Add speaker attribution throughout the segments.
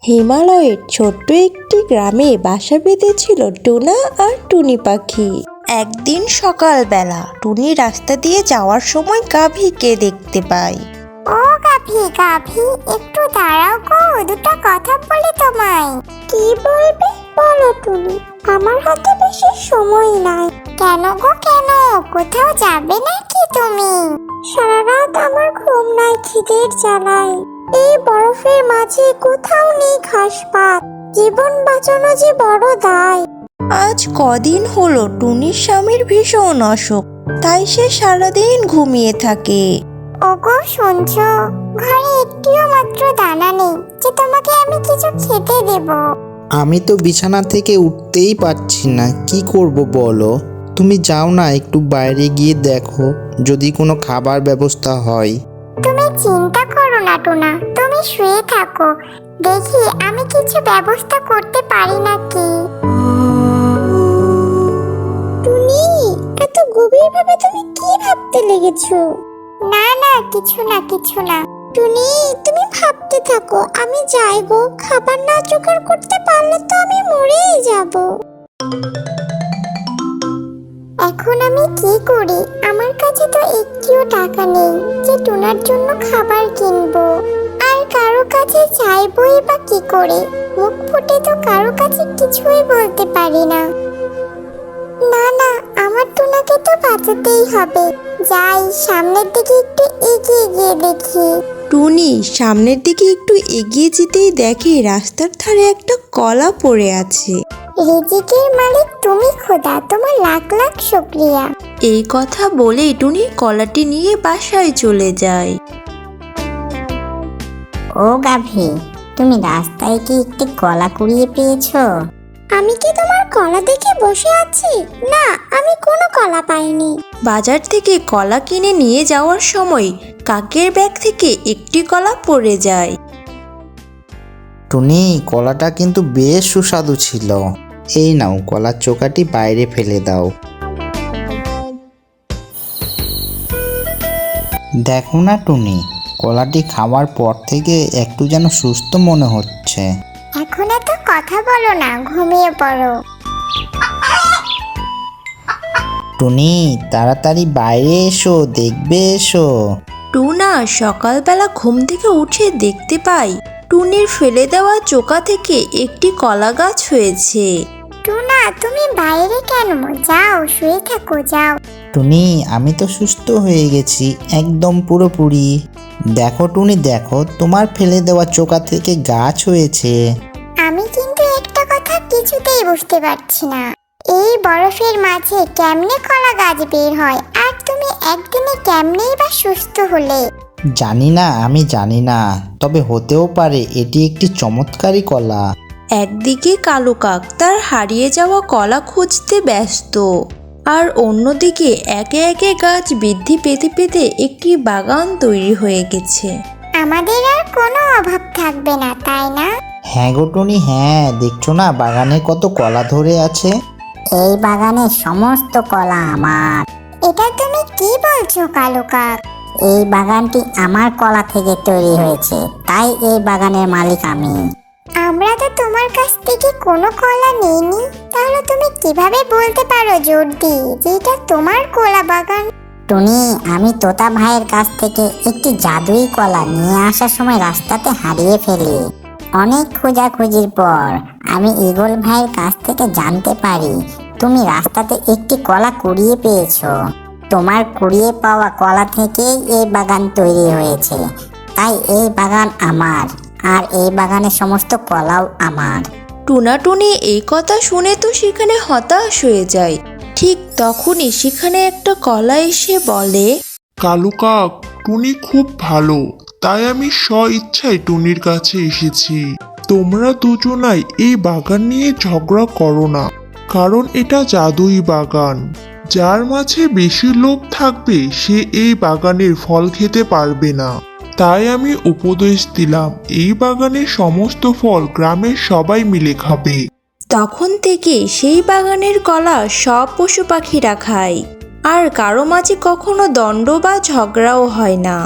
Speaker 1: হিমালয়ের ছোট্ট একটি গ্রামে বাসা বেঁধেছিল টুনা আর টুনি পাখি। একদিন সকালবেলা টুনি রাস্তা দিয়ে যাওয়ার সময় গাভীকে দেখতে পায়।
Speaker 2: ও গাভী গাভী, একটু দাঁড়াও গো, দুটো কথা বলি তোমায়। কি বলবে বলো টুনি, আমার হাতে বেশি সময় নাই। কেন গো কেন, কোথাও যাবে নাকি তুমি? সারা রাত আমার ঘুম নাই খিদের জ্বালায়। এই বরফের মাঝে কোথাও নেই ঘাস পাত, জীবন বাঁচানো যে বড় দায়।
Speaker 1: আজ কদিন হলো টুনির স্বামীর ভীষণ অসুখ, তাই সে সারাদিন ঘুমিয়ে থাকে।
Speaker 2: ওগো শুনছো, ঘরে একটিও মাত্র দানা নেই যে তোমাকে আমি কিছু খেতে দেব।
Speaker 3: আমি তো বিছানা থেকে উঠতেই পারছি না, কি করব বলো? তুমি যাও না, একটু বাইরে গিয়ে দেখো যদি কোনো খাবার ব্যবস্থা হয়।
Speaker 2: তুমি চিন্তা করো না টুনা, তুমি শুয়ে থাকো, দেখি আমি কিছু ব্যবস্থা করতে পারি নাকি। টুনি, এত গভীরভাবে তুমি কি ভাবতে লেগেছো? না না, কিছু না কিছু না। টুনি, তুমি ভাবতে থাকো, আমি যাই গো। খাবার না জোগাড় করতে পারলে তো আমি মরেই যাব। এখন আমি কি করি? আমার কাছে তো একটিও টাকা নেই যে টুনার জন্য খাবার কিনবো। আর কারো কাছে চাইবই বা কি করে? মুখ ফুটে তো কারো কাছে কিছুই বলতে পারি না। না না, আমার টুনাকে তো বাঁচাতেই হবে। যাই, সামনের দিকে একটু এগিয়ে গিয়ে দেখি।
Speaker 1: টুনি সামনের দিকে একটু এগিয়ে যেতেই দেখে রাস্তার ধারে একটা কলা পড়ে আছে।
Speaker 2: রিজিকের মালিক তুমি খোদা, তোমার লাখ লাখ শুকরিয়া।
Speaker 1: এই কথা বলে টুনি কলাটি নিয়ে বাসায় চলে যায়।
Speaker 2: ও গাভী, তুমি রাস্তায় কি একটি কলা কুড়িয়ে পেয়েছো? আমি কি তোমার কলা দেখে বসে আছি? না, আমি কোনো কলা পাইনি।
Speaker 1: বাজার থেকে কলা কিনে নিয়ে যাওয়ার সময় কাকের ব্যাগ থেকে একটি কলা পড়ে যায়।
Speaker 3: টুনি, কলাটা কিন্তু বেশ সুস্বাদু ছিল। এই নাও, কলার চোকাটি বাইরে ফেলে দাও। দেখো না টুনি, কলাটি খাওয়ার পর থেকে একটু যেন সুস্থ মনে হচ্ছে।
Speaker 2: এখন এত কথা বলো না, ঘুমিয়ে পড়ো।
Speaker 3: টুনি, তাড়াতাড়ি বাইরে এসো, দেখবে এসো।
Speaker 1: টুনা সকালবেলা ঘুম থেকে উঠে দেখতে পায় টুনির ফেলে দেওয়া চোকা থেকে একটি কলা গাছ হয়েছে।
Speaker 2: টুনা, তুমি বাইরে কেন? যাও, শুয়ে থাকো, যাও।
Speaker 3: টুনি, আমি তো সুস্থ হয়ে গেছি একদম পুরোপুরি। দেখো টুনি, দেখো, তোমার ফেলে দেওয়া চোকা থেকে গাছ হয়েছে।
Speaker 2: আমি কিন্তু একটা কথা কিছুতেই বুঝতে পারছি না, এই বরফের মাঝে কেমনে কলা গাছ বের হয়, আর তুমি একদিনে কেমনেই বা সুস্থ হলে?
Speaker 3: জানি না, আমি জানি না, তবে হতেও পারে এটি একটি চমৎকারী কলা।
Speaker 1: একদিকে কালো কাক তার হারিয়ে যাওয়া কলা খুঁজতে ব্যস্ত, আর অন্যদিকে একে একে গাছ বৃদ্ধি পেতে পেতে একটি বাগান তৈরি হয়ে গেছে।
Speaker 2: আমাদের আর কোনো অভাব থাকবে না, তাই না?
Speaker 3: হ্যাঁ গো টুনি, হ্যাঁ, দেখছো না বাগানে কত কলা ধরে আছে।
Speaker 2: এই বাগানের সমস্ত কলা আমার। এটা তুমি কি বলছো কালু কাক? এই বাগানটি আমার কলা থেকে তৈরি হয়েছে, তাই এই বাগানের মালিক আমি। আমরা তো তোমার কাছ থেকে কোনো কলা নিইনি, তাহলে তুমি কিভাবে বলতে পারো জোর দিয়ে যে এটা তোমার কলা বাগান? টুনি, আমি তোতা ভাইয়ের কাছ থেকে একটি জাদুই কলা নিয়ে আসার সময় রাস্তাতে হারিয়ে ফেলি। অনেক খোঁজাখুঁজির পর আমি ঈগল ভাইয়ের কাছ থেকে জানতে পারি তুমি রাস্তাতে একটি কলা কুড়িয়ে পেয়েছো। তোমার কুড়িয়ে পাওয়া কলা থেকেই এই বাগান তৈরি হয়েছে, তাই এই বাগান আমার, আর এই বাগানের সমস্ত কলাও আমার।
Speaker 1: টুনা টুনি এই কথা শুনে তো সেখানে হতাশ হয়ে যায়। ঠিক তখনই সেখানে একটা কলা এসে বলে,
Speaker 4: কালু কাক, টুনি খুব ভালো, তাই আমি ইচ্ছায় টুনির কাছে এসেছি। তোমরা দুজনাই এই বাগান নিয়ে ঝগড়া করো না, কারণ এটা জাদুই বাগান। যার মাঝে বেশি লোভ থাকবে সে এই বাগানের ফল খেতে পারবে না। তাই আমি উপদেশ দিলাম এই বাগানের সমস্ত ফল গ্রামের সবাই মিলে খাবে।
Speaker 1: তখন থেকে সেই বাগানের কলা সব পশু পাখিরা খায়, আর কারো মাঝে কখনো দ্বন্দ্ব বা ঝগড়াও হয় না।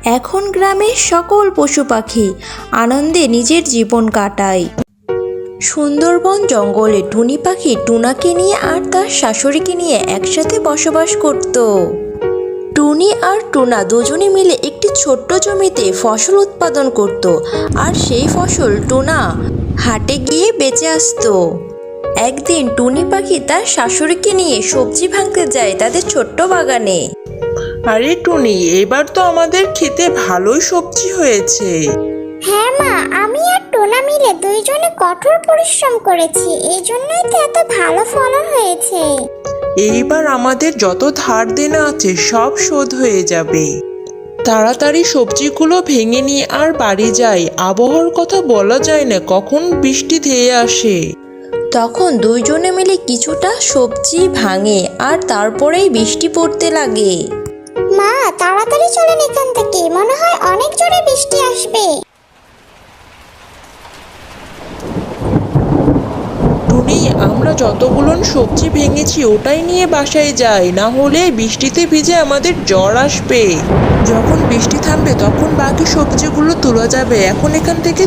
Speaker 1: এখন গ্রামের সকল পশু পাখি আনন্দে নিজের জীবন কাটায়। সুন্দরবন জঙ্গলে টুনি পাখি টুনাকে নিয়ে আর তার শাশুড়িকে নিয়ে একসাথে বসবাস করত। টুনি আর টুনা দুজনে মিলে একটি ছোট্ট জমিতে ফসল উৎপাদন করত, আর সেই ফসল টুনা হাটে গিয়ে বেচে আসতো। একদিন টুনি পাখি তার শাশুড়িকে নিয়ে সবজি ভাঙতে যায় তাদের ছোট্ট বাগানে।
Speaker 5: আরে টুনি, এবার তো আমাদের খেতে ভালোই সবজি হয়েছে।
Speaker 2: হ্যাঁ মা, আমি আর টোনা মিলে দুইজনে কঠোর পরিশ্রম করেছি, এই জন্যই তো এত ভালো ফলন হয়েছে।
Speaker 5: এইবার আমাদের যত ধার দেনা আছে সব শোধ হয়ে যাবে। তাড়াতাড়ি সবজিগুলো ভেঙে নিয়ে আর বাড়ি যাই, আবহাওয়ার কথা বলা যায় না, কখন বৃষ্টি ধেয়ে আসে।
Speaker 1: তখন দুইজনে মিলে কিছুটা সবজি ভাঙে আর তারপরেই বৃষ্টি পড়তে লাগে।
Speaker 2: মা, তাড়াতাড়ি চলেন এখান থেকে, মনে হয় অনেক জোরে বৃষ্টি আসবে।
Speaker 5: টুনি, আমরা যতগুলো সবজি ভেঙেছি ওটাই নিয়ে বাসায় যাই, না হলে বৃষ্টিতে ভিজে আমাদের জ্বর আসবে। যখন বৃষ্টি থামবে তখন বাকি সবজিগুলো তোলা যাবে, এখন এখান থেকে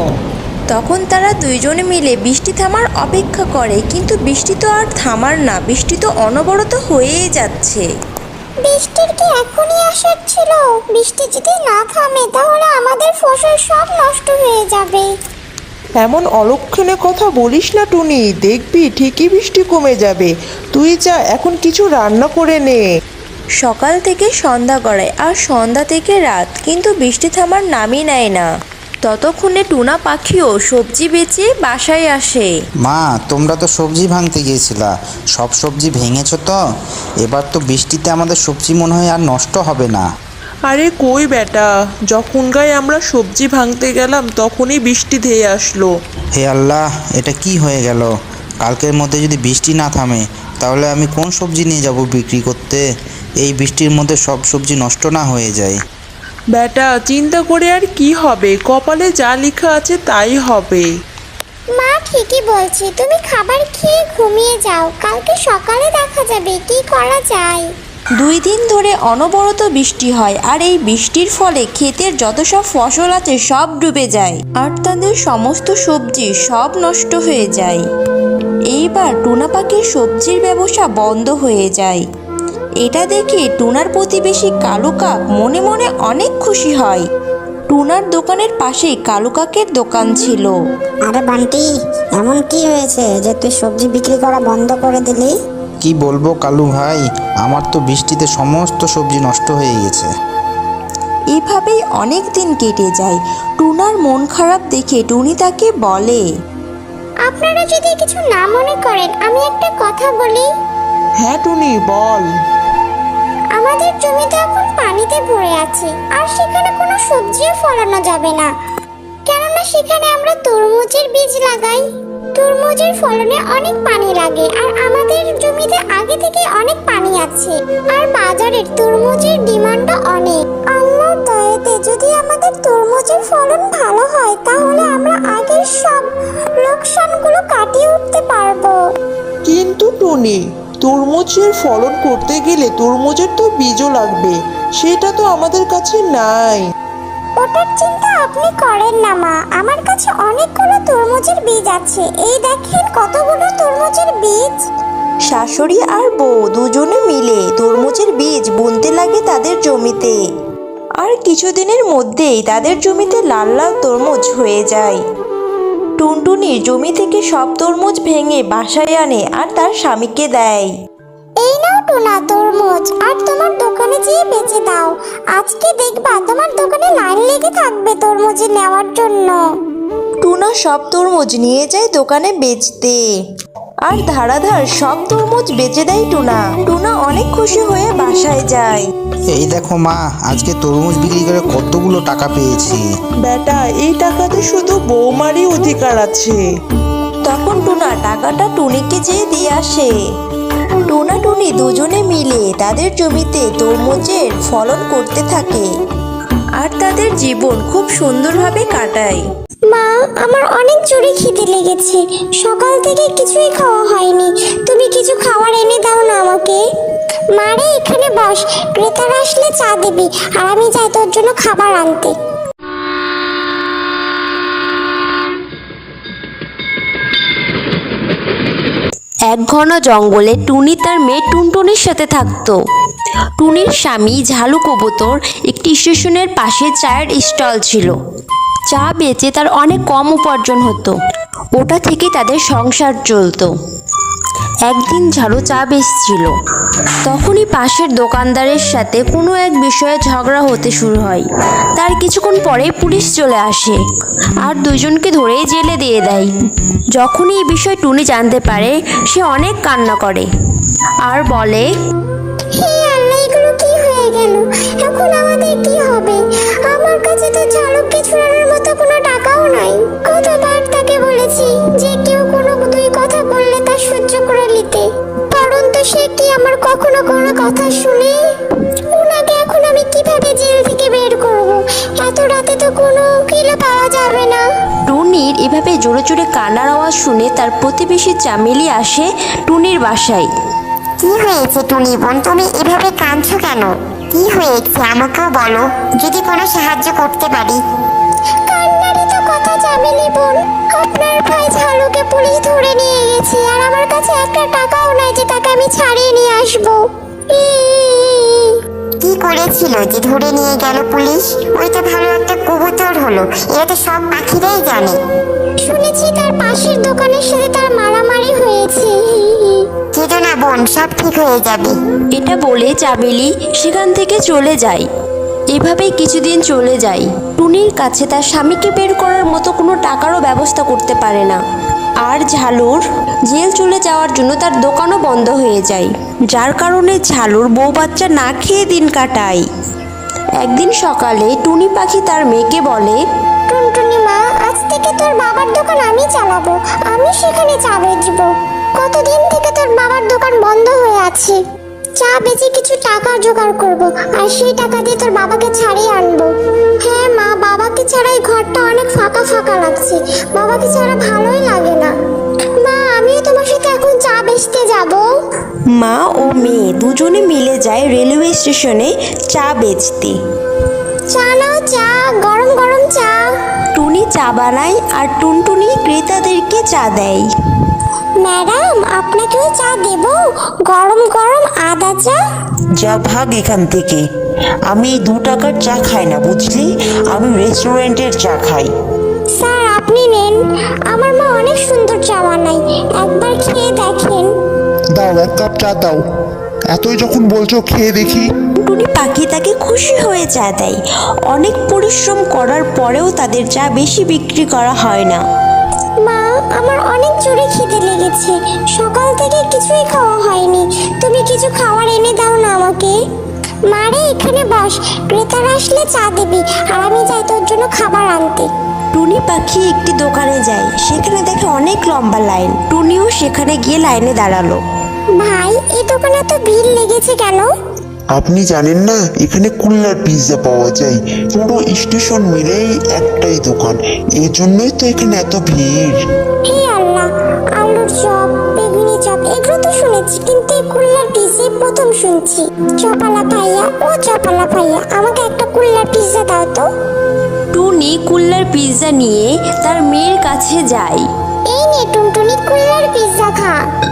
Speaker 1: তখন তারা দুইজনে মিলে বৃষ্টি থামার অপেক্ষা করে, কিন্তু বৃষ্টি তো আর থামার না, বৃষ্টি তো অনবরত হয়েই যাচ্ছে।
Speaker 2: বৃষ্টির কি এখনই আসার ছিল? বৃষ্টি যদি না থামে তাহলে আমাদের ফসল সব নষ্ট হয়ে যাবে।
Speaker 5: এমন অলক্ষণে কথা বলিস না টুনি, দেখবি ঠিকই বৃষ্টি কমে যাবে। তুই যা এখন কিছু রান্না করে নে।
Speaker 1: সকাল থেকে সন্ধ্যা গড়ায় আর সন্ধ্যা থেকে রাত, কিন্তু বৃষ্টি থামার নামই নেয় না। ততক্ষণে টুনা পাখিও সবজি বেচে বাসায় আসে।
Speaker 3: মা, তোমরা তো সবজি ভাঙতে গিয়েছিলা, সব সবজি ভেঙেছো তো? এবার তো বৃষ্টিতে আমাদের সবজি মনে হয় আর নষ্ট হবে না।
Speaker 5: আরে কই বেটা, যখন গায়ে আমরা সবজি ভাঙতে গেলাম তখনই বৃষ্টি ধেয়ে আসলো।
Speaker 3: হে আল্লাহ, এটা কি হয়ে গেল? কালকের মধ্যে যদি বৃষ্টি না থামে তাহলে আমি কোন সবজি নিয়ে যাব বিক্রি করতে? এই বৃষ্টির মধ্যে সব সবজি নষ্ট না হয়ে যায়।
Speaker 5: বেটা, চিন্তা করে আর কি হবে, কপালে যা লেখা আছে তাই হবে।
Speaker 2: মা ঠিকই বলছে, তুমি খাবার খেয়ে ঘুমিয়ে যাও, কালকে সকালে দেখা যাবে কি করা যায়।
Speaker 1: 2 দিন ধরে অনবরত বৃষ্টি হয়, আর এই বৃষ্টির ফলে ক্ষেতের যত সব ফসল আছে সব ডুবে যায়, আর তাদের সমস্ত সবজি সব নষ্ট হয়ে যায়। এইবার টুনা পাখির সবজির ব্যবসা বন্ধ হয়ে যায়। এটা দেখে টুনার প্রতিবেশী কালু কাক মনে মনে অনেক খুশি হয়। টুনার দোকানের পাশেই কালু কাকের দোকান ছিল।
Speaker 2: আরে বান্টি, এমন কি হয়েছে যে তুই সবজি বিক্রি করা বন্ধ করে দিলি?
Speaker 3: কি বলবো কালু ভাই, আমার তো বৃষ্টিতে সমস্ত সবজি নষ্ট হয়ে গেছে।
Speaker 1: এভাবেই অনেক দিন কেটে যায়। টুনার মন খারাপ দেখে টুনি তাকে বলে,
Speaker 2: আপনারা যদি কিছু না মনে করেন আমি একটা কথা বলি।
Speaker 5: হ্যাঁ টুনি, বল।
Speaker 2: আমাদের জমিতে এখন পানিতে ভরে আছে, আর সেখানে কোনো সবজিও ফলানো যাবে না, কেননা সেখানে আমরা তরমুজের বীজ লাগাই। তরমুজের ফলনে অনেক পানি লাগে, আর আমাদের জমিতে আগে থেকে অনেক পানি আছে, আর বাজারের তরমুজের ডিমান্ডও অনেক। আল্লাহর দয়াতে যদি আমাদের তরমুজের ফলন ভালো হয় তাহলে আমরা আগের সব লোকসানগুলো কাটিয়ে উঠতে পারবো।
Speaker 5: কিন্তু টুনি, তরমুজের ফলন করতে গেলে তরমুজের তো বীজও লাগবে, সেটা তো আমাদের কাছে নাই।
Speaker 2: ওটার চিন্তা আপনি করেন না মা, আমার কাছে অনেকগুলো তরমুজের বীজ আছে, এই দেখেন কতগুলো তরমুজের বীজ।
Speaker 1: শাশুড়ি আর বউ দুজনে মিলে তরমুজের বীজ বুনতে লাগে তাদের জমিতে, আর কিছুদিনের মধ্যেই তাদের জমিতে লাল লাল তরমুজ হয়ে যায়। টুনটুনির জমি থেকে সব তরমুজ ভেঙে বাসায় আনে আর তার স্বামীকে দেয়।
Speaker 2: এই নাও টুনা তরমুজ, আর তোমার দোকানে যেয়ে বেচে দাও, আজকে দেখবা তোমার দোকানে লাইন লেগে থাকবে তরমুজ নেওয়ার জন্য।
Speaker 1: টুনা সব তরমুজ নিয়ে যায় দোকানে বেচতে, আর ধারাধার সব তরমুজ বেচে দেয় টুনা। টুনা অনেক খুশি হয়ে বাসায় যায়।
Speaker 3: এই দেখো মা, আজকে তরমুজ বিক্রি করে কতগুলো টাকা পেয়েছি।
Speaker 5: বেটা, এই টাকাতে শুধু বৌমারই অধিকার আছে।
Speaker 1: তখন টুনা টাকাটা টুনিকে যেয়ে দিয়ে আসে। টুনা টুনি দুজনে মিলে তাদের জমিতে তরমুজের ফলন করতে থাকে, আর তাদের জীবন খুব সুন্দরভাবে কাটায়।
Speaker 2: মা, আমার অনেক জোরে খিদে লেগেছে, সকাল থেকে কিছুই খাওয়া হয়নি, তুমি কিছু খাবার এনে দাও না আমাকে। মারে এখানে বস, ক্রেতারা আসলে চা দিবি, আর আমি যাই তোর জন্য খাবার আনতে।
Speaker 1: এক ঘন জঙ্গলে টুনি তার মেয়ে টুনটুনির সাথে থাকতো। টুনির স্বামী ঝালু কবুতর একটি স্টেশনের পাশে চায়ের স্টল ছিল। চা বেচে তার অনেক কম উপার্জন হতো, ওটা থেকে তাদের সংসার চলতো। একদিন ঝালু চা বেচছিল, তখনই পাশের দোকানদারের সাথে কোনো এক বিষয়ে ঝগড়া হতে শুরু হয়। তার কিছুক্ষণ পরে পুলিশ চলে আসে আর দুজনকে ধরে জেলে দিয়ে দেয়। যখনই এই বিষয় টুনি জানতে পারে, সে অনেক কান্না করে আর বলে,
Speaker 2: হে আল্লাহ, এগুলো কি হয়ে গেল? এখন আমাদের কি হবে? আমার কাছে তো ঝালুককে ছুড়ানোর মতো কোনো টাকাও নাই। কতবার তাকে বলেছি যে কেউ কোনো দুই কথা বললে তা সহ্য করে নিতে, পরন্তু সে কি আমার কখনো কোনো কথা শুনে? ওনাকে এখন আমি কিভাবে জেল থেকে বের করব? এত রাতে তো কোনো উকিলও পাওয়া যাবে না।
Speaker 1: টুনির এভাবে জোরে জোরে কান্নার আওয়াজ শুনে তার প্রতিবেশী চামেলি আসে টুনির বাসায়।
Speaker 2: কি হয়েছে টুনি বোন, তুমি এভাবে কাঁদছো কেন? কি হয়েছে আমাকেও বলো, যদি কোনো সাহায্য করতে পারি। কান্নারই তো কথা চামেলি বোন, আপনার ভাই ঝালুকে পুলিশ ধরে নিয়ে গেছে, আর আমার কাছে একটা টাকাও নাই যে তাকে আমি ছাড়িয়ে নিয়ে আসবো। কি করেছিল যে ধরে নিয়ে গেল পুলিশ? ওই তো ভালো একটা কবুতর হলো, এটা তো সব পাখিরাই জানে। শুনেছি তার পাশের দোকানের সাথে তার মারামারি হয়েছে। কেঁদো না বোন, সব ঠিক হয়ে যাবে।
Speaker 1: এটা বলে চামেলি সেখান থেকে চলে যায়। এভাবেই কিছুদিন চলে যায়। টুনির কাছে তার স্বামীকে বের করার মতো কোনো টাকারও ব্যবস্থা করতে পারে না। আর ঝালুর জেল চলে যাওয়ার জন্য তার দোকানও বন্ধ হয়ে যায়, যার কারণে ঝালুর বউ বাচ্চা না খেয়ে দিন কাটায়। একদিন সকালে টুনি পাখি তার মেয়েকে বলে,
Speaker 2: টুনটুনি মা, আজ থেকে তোর বাবার দোকান আমি চালাবো, আমি সেখানে চা বেচবো। কতদিন থেকে তোর বাবার দোকান বন্ধ হয়ে আছে। চা বেচে কিছু টাকা জোগাড় করব, আর সেই টাকা দিয়ে তোর বাবাকে ছাড়িয়ে আনবো। হ্যাঁ মা, বাবাকে ছাড়া এই ঘরটা অনেক ফাঁকা ফাঁকা লাগছে, বাবাকে ছাড়া ভালোই লাগে না। মা, আমিও তোমার সাথে এখন চা বেচতে যাব।
Speaker 1: মা ও মেয়ে দুজনে মিলে যায় রেলওয়ে স্টেশনে চা বেচতে।
Speaker 2: চা নাও, চা, গরম গরম চা।
Speaker 1: টুনি চা বানায় আর টুনটুনি ক্রেতাদেরকে চা দেয়।
Speaker 2: ম্যাডাম, আপনাকেও চা দেব? গরম গরম আদা চা।
Speaker 6: যা ভাগ এখান থেকে, আমি 2 টাকার চা খাই না বুঝলি, আমি রেস্টুরেন্টের চা খাই।
Speaker 2: স্যার আপনি নেন, আমার মা অনেক সুন্দর চা বানায়, একবার খেয়ে দেখেন।
Speaker 4: দাও, 1 কাপ চা দাও। এতই যখন বলছো খেয়ে দেখি।
Speaker 1: টুনি পাখি তাকে খুশি হয়ে চা দেয়। অনেক পরিশ্রম করার পরেও তাদের চা বেশি বিক্রি করা হয় না।
Speaker 2: মা, আমার অনেক জোরে খিদে লেগেছে, সকাল থেকে কিছুই খাওয়া হয়নি, তুমি কিছু খাবার এনে দাও না আমাকে। মারে এখানে বস, ক্রেতারা আসলে চা দিবি, আর আমি যাই তোর জন্য খাবার আনতে।
Speaker 1: টুনি পাখি একটি দোকানে যায়, সেখানে দেখে অনেক লম্বা লাইন। টুনিও সেখানে গিয়ে লাইনে দাঁড়ালো।
Speaker 2: ভাই, এই দোকানে তো ভিড় লেগেছে কেন?
Speaker 7: আপনি জানেন না, এখানে কুল্লার পিৎজা পাওয়া যায়। পুরো স্টেশন মিলেই একটাই দোকান, এই জন্যই তো এখানে এত ভিড়।
Speaker 2: হে আল্লাহ, আলুর চপ, বেগুনি চপ এগুলো তো শুনেছি, কিন্তু এই কুল্লার পিৎজা প্রথম শুনছি। চপালা ভাইয়া, ও চপালা ভাইয়া, আমাকে একটা কুল্লার পিৎজা দাও তো।
Speaker 1: টুনি কুল্লার পিৎজা নিয়ে তার মেয়ের কাছে যায়।
Speaker 2: এই নে টুনটুনি, কুল্লার পিৎজা খা।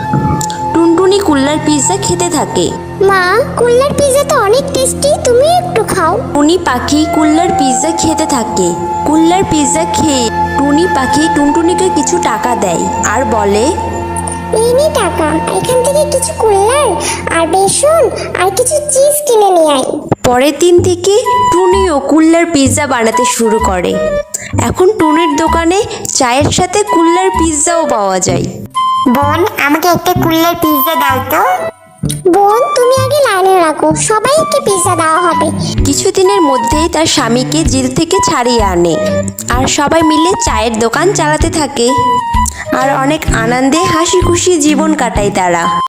Speaker 1: টুনটুনি কুল্লার পিৎজা খেতে থাকে।
Speaker 2: মা, কুল্লার পিৎজা তো অনেক টেস্টি, তুমি একটু খাও।
Speaker 1: টুনি পাখি কুল্লার পিৎজা খেতে থাকে। কুল্লার পিৎজা খেয়ে টুনি পাখি টুনটুনিকে কিছু টাকা দেয় আর বলে,
Speaker 2: এই নে টাকা, এখান থেকে কিছু কুল্লার আর বেসন আর কিছু চিজ কিনে নিয়ে আয়।
Speaker 1: পরের দিন থেকে টুনিও কুল্লার পিৎজা বানাতে শুরু করে। এখন টুনির দোকানে চায়ের সাথে কুল্লার পিৎজাও পাওয়া যায়।
Speaker 2: বোন, আমাকে একটা কুল্লার পিৎজা দাও তো। বোন, তুমি আগে লাইনে রাখো, সবাইকে পিৎজা দেওয়া হবে।
Speaker 1: কিছুদিনের মধ্যেই তার স্বামীকে জেল থেকে ছাড়িয়ে আনে আর সবাই মিলে চায়ের দোকান চালাতে থাকে আর অনেক আনন্দে হাসি খুশি জীবন কাটায় তারা।